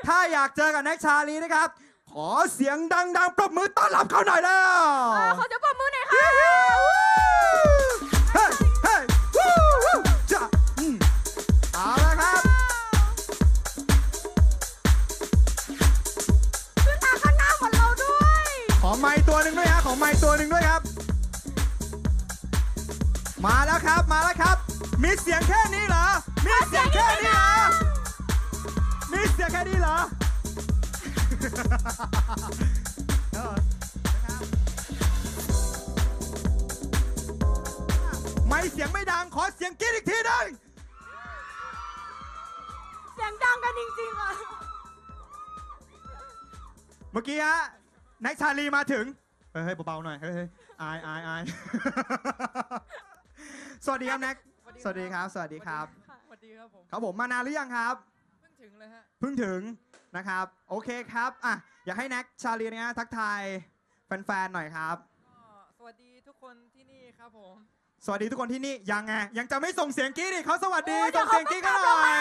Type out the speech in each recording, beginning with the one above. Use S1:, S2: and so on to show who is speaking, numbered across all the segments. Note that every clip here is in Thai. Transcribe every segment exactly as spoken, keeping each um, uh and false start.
S1: ถ้าอยากเจอกับแน็กชาลีนะครับขอเสียงดังๆปรบมือต้อนรับเขาหน่อยแล้ว
S2: ขอจะปรบมือหน่อยค่ะ
S1: เฮ้ยเฮ้ยวู้วู้จ้ะเอาละครับ
S2: ขึ้นมาข้างหน้าเหมือนเราด้วย
S1: ขอไมค์ตัวหนึ่งด้วยฮะขอไมค์ตัวหนึ่งด้วยครับมาแล้วครับมาแล้วครับมีเสียงแค่นี้เหรอมีเสียงแค่นี้เหรอมีเสียงแค่นี้เหรอไม่เสียงไม่ดังขอเสียงกรี๊ดอีกทีหนึ่ง
S2: เสียงดังกันจริงๆอ่ะ
S1: เมื่อกี้ฮะแน็กชาลีมาถึงเฮ้ยเบาๆหน่อยเฮ้ยอายอายอายสวัสดีครับแน็กสวัสดีครับสวัสดีครับ
S3: สวัสดีครับผม
S1: ครับผมมานานหรือยังครับ
S3: เพิ่งถึงเลยฮะ
S1: เพิ่งถึงนะครับโอเคครับอ่ะอยากให้แน็กชาลีเนี่ยทักทายแฟนๆหน่อยครับ
S3: สวัสดีทุกคนที่นี่ครับผม
S1: สวัสดีทุกคนที่นี่ยังไงยังจะไม่ส่งเสียงกรี๊ดอีกเขาสวัสดีส่งเสียงกรี๊ดกันหน่อย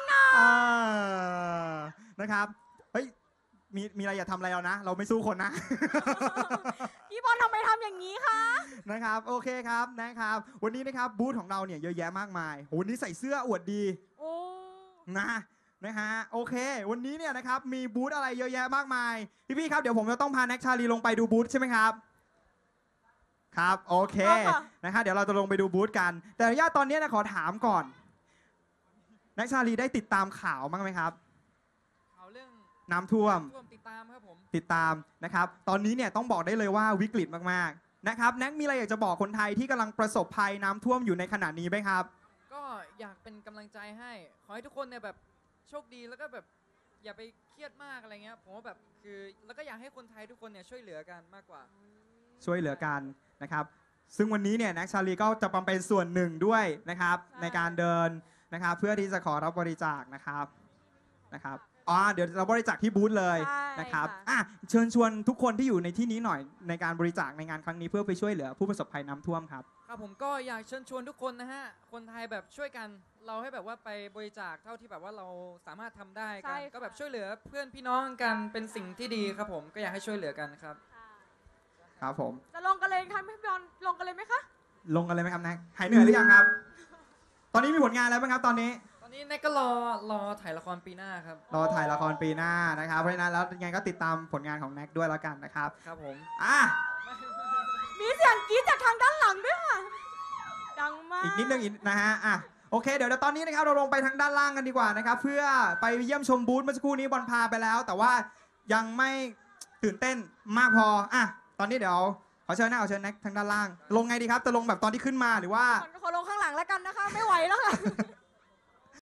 S1: นะครับเฮ้ยมีมีอะไรอย่าทำอะไรเรานะเราไม่สู้คนนะ
S2: พี่บอลทำไมทำอย่างนี้คะ
S1: นะครับโอเคครับนะครับวันนี้นะครับบูธของเราเนี่ยเยอะแยะมากมายวันนี้ใส่เสื้ออวดดี
S2: โอ้
S1: นะนะฮะโอเควันนี้เนี่ยนะครับมีบูธอะไรเยอะแยะมากมายพี่ๆครับเดี๋ยวผมจะต้องพาแน็กชาลีลงไปดูบูธใช่ไหมครับครับโอเคนะครับเดี๋ยวเราจะลงไปดูบูธกันแต่อนุญาตตอนนี้นะขอถามก่อนแน็กชาลีได้ติดตามข่าวบ้างไหมครับ
S3: ข่าวเรื่อง
S1: น้ำท่วม
S3: ติดตามครับผม
S1: ติดตามนะครับตอนนี้เนี่ยต้องบอกได้เลยว่าวิกฤตมากๆนะครับแน็กมีอะไรอยากจะบอกคนไทยที่กำลังประสบภัยน้ำท่วมอยู่ในขณะนี้ไหมครับ
S3: ก็อยากเป็นกำลังใจให้ขอให้ทุกคนเนี่ยแบบโชคดีแล้วก็แบบอย่าไปเครียดมากอะไรเงี้ยผมว่าแบบคือแล้วก็อยากให้คนไทยทุกคนเนี่ยช่วยเหลือกันมากกว่า
S1: ช่วยเหลือกันนะครับซึ่งวันนี้เนี่ยแน็กชาลีก็จะเป็นส่วนหนึ่งด้วยนะครับในการเดินนะครับเพื่อที่จะขอรับบริจาคนะครับนะครับอ๋อเดี๋ยวเราบริจาคที่บูธเลยนะครับอ่ะเชิญชวนทุกคนที่อยู่ในที่นี้หน่อยในการบริจาคในงานครั้งนี้เพื่อไปช่วยเหลือผู้ประสบภัยน้ำท่วมครับ
S3: ครับผมก็อยากเชิญชวนทุกคนนะฮะคนไทยแบบช่วยกันเราให้แบบว่าไปบริจาคเท่าที่แบบว่าเราสามารถทำได้กันก็แบบช่วยเหลือเพื่อนพี่น้องกันเป็นสิ่งที่ดีครับผมก็อยากให้ช่วยเหลือกันครับ
S1: ครับผม
S2: จะลงกันเลยครับพี่บอลลงกันเลยไหมคะ
S1: ลงกันเลยไหมครับแน็กหายเหนื่อยหรือยังครับตอนนี้มีผลงานแล้วไหมครับตอนนี้
S3: ตอนนี้แน็กก็รอรอถ่ายละครปีหน้าครับ
S1: รอถ่ายละครปีหน้านะครับเพราะฉะนั้นแล้วยังไงก็ติดตามผลงานของแน็กด้วยแล้วกันนะครับ
S3: ครับผม
S1: อ่ะ
S2: มีเสียงกรี๊ดจากทางด้านหลังด้วยค่ะดังมาก
S1: อีกนิดนึงอีกนะฮะอ่ะโอเคเดี๋ยวตอนนี้นะครับเราลงไปทางด้านล่างกันดีกว่านะครับเพื่อไปเยี่ยมชมบูธเมื่อสักครู่นี้บอลพาไปแล้วแต่ว่ายังไม่ตื่นเต้นมากพออ่ะตอนนี้เดี๋ยวขอเชิญนะขอเชิญแน็กทางด้านล่างลงไงดีครับจะลงแบบตอนที่ขึ้นมาหรือว่า
S2: ขอลงข้างหลังแล้วกันนะคะไม่ไหวแล้วค่ะ